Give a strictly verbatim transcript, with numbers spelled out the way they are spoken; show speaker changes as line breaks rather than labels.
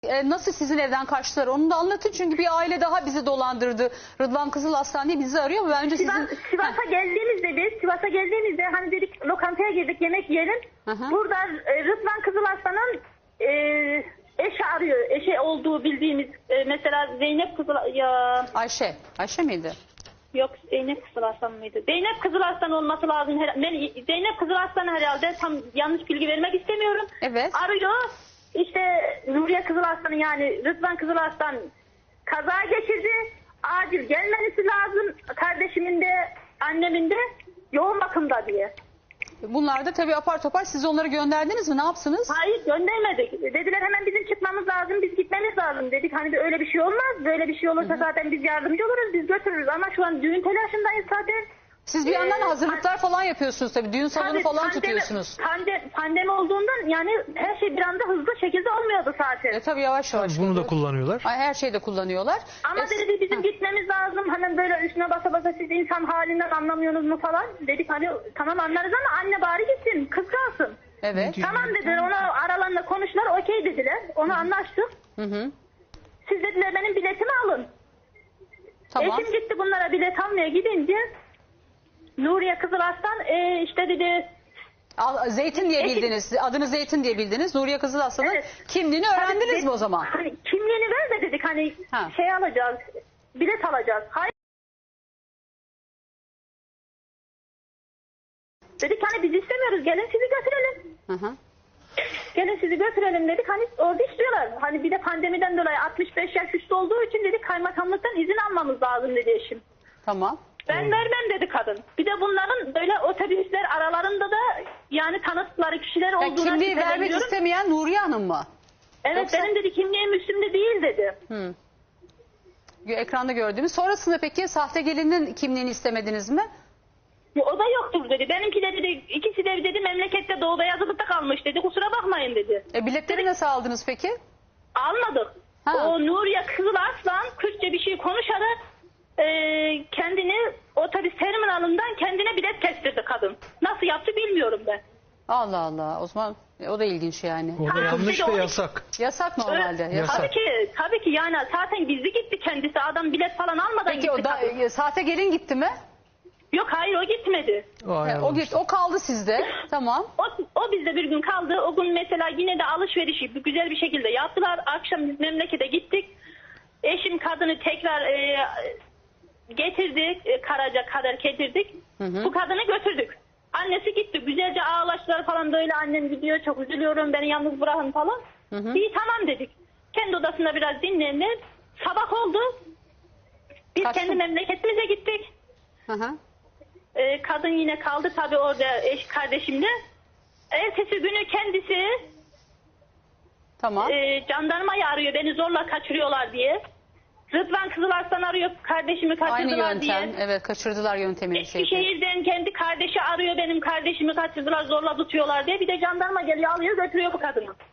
E, nasıl sizin evden kaçtılar onu da anlatın, çünkü bir aile daha bizi dolandırdı. Rıdvan Kızılaslan diye bizi arıyor ama bence sizin...
Sivas, Sivas'a geldiğimizde biz, Sivas'a geldiğimizde hani dedik lokantaya girdik yemek yiyelim.
Hı hı.
Burada e, Rıdvan Kızılaslan'ın e, eşi arıyor. Eşi olduğu bildiğimiz e, mesela Zeynep Kızılaslan... Ya...
Ayşe. Ayşe miydi?
Yok, Zeynep Kızılaslan mıydı? Zeynep Kızılaslan olması lazım. Ben Zeynep Kızılaslan herhalde, tam yanlış bilgi vermek istemiyorum.
Evet.
Arıyor. İşte Nuriye Kızılaslan'ın, yani Rıdvan Kızılaslan kaza geçirdi. Acil gelmesi lazım. Kardeşimin de annemin de yoğun bakımda diye.
Bunlar da tabii apar topar, siz onları gönderdiniz mi? Ne yapsınız?
Hayır, göndermedik. Dediler hemen bizim çıkmamız lazım, biz gitmemiz lazım. Dedik hani öyle bir şey olmaz. Böyle bir şey olursa hı hı. zaten biz yardımcı oluruz, biz götürürüz. Ama şu an düğün telaşındayız zaten.
Siz bir yandan
Ee,
hazırlıklar falan yapıyorsunuz tabii. Düğün salonu
tabii,
falan
pandemi,
tutuyorsunuz.
Pandemi, pandemi olduğundan yani her şey bir anda hızlı şekilde olmuyordu zaten.
E tabii yavaş yavaş.
Bunu da
oluyor.
kullanıyorlar.
Ay, her şeyde kullanıyorlar.
Ama
E,
dedi bizim
ha.
gitmemiz lazım. Hemen böyle üstüne basa basa siz insan halinden anlamıyorsunuz mu falan. Dedik hani tamam anlarız ama anne bari gitsin, kız kalsın.
Evet.
Tamam dediler, ona aralarında konuştular, okey dediler. Onu anlaştık.
Hı hı.
Siz dediler benim biletimi alın.
Tamam.
Eşim gitti bunlara bilet almaya gidince Nuriye Kızılaslan e, işte dedi...
Al, Zeytin diye
Eşim,
bildiniz. Adını Zeytin diye bildiniz. Nuriye Kızılaslan'ın
evet.
kimliğini öğrendiniz
Hani,
mi o zaman?
Hani kimliğini ver de dedik hani
Ha.
şey alacağız, bilet alacağız. Hayır. Dedik hani biz istemiyoruz, gelin sizi götürelim.
Hı hı.
Gelin sizi götürelim dedik, hani orada istiyorlar. Hani bir de pandemiden dolayı altmış beş yaş üstü olduğu için dedik kaymakamlıktan izin almamız lazım dedi eşim.
Tamam.
Ben vermem dedi kadın. Bir de bunların böyle otobüsler aralarında da yani tanıdıkları kişiler
Ya,
olduğuna
kimliği vermek
şüpheleniyorum.
istemeyen Nuriye Hanım mı?
Evet
Yoksa...
benim dedi kimliğim üstümde değil dedi.
Hı. Ekranda gördüğümüz. Sonrasında peki sahte gelinin kimliğini istemediniz mi?
O da yoktur dedi. Benimki de dedi, ikisi de dedi memlekette doğuda yazılıkta kalmış dedi. Kusura bakmayın dedi.
E, biletleri nasıl aldınız peki?
Almadık.
Ha.
O Nuriye Kızılaslan Kürtçe bir şey konuşarak e, kendini otobüs terminalından kendine bilet kestirdi kadın. Nasıl yaptı bilmiyorum ben.
Allah Allah. O zaman e, o da ilginç yani.
O da
Ha,
yanlış
bir de
ve
o-
yasak.
Yasak normalde.
Evet,
Yasak.
tabii ki, tabii ki yani zaten gizli gitti kendisi. Adam bilet falan almadan
Peki
gitti
o da,
kadın.
e, sahte gelin gitti mi?
Yok hayır o gitmedi.
O,
E, o
ayarlamış.
gitti. O kaldı sizde. Tamam.
O, o bizde bir gün kaldı. O gün mesela yine de alışverişi güzel bir şekilde yaptılar. Akşam biz memlekete gittik. Eşim kadını tekrar e, getirdik. E, Karaca kadar getirdik.
Hı hı.
Bu kadını götürdük. Annesi gitti. Güzelce ağlaştılar falan böyle. Annem gidiyor, çok üzülüyorum, beni yalnız bırakın falan.
Hı hı.
İyi tamam dedik. Kendi odasında biraz dinlendik. Sabah oldu. Biz
Kaçtın?
kendi memleketimize gittik.
Hı hı.
Ee, kadın yine kaldı tabii orada eş kardeşimle. Ertesi günü kendisi
Tamam.
e, jandarmayı arıyor, beni zorla kaçırıyorlar diye. Rıdvan Kızılaslan arıyor, kardeşimi
Aynı
kaçırdılar
yöntem.
diye.
Evet, kaçırdılar yöntemini. Şey.
Eskişehir'den kendi kardeşi arıyor, benim kardeşimi kaçırdılar, zorla tutuyorlar diye. Bir de jandarma geliyor, alıyor, götürüyor bu kadını.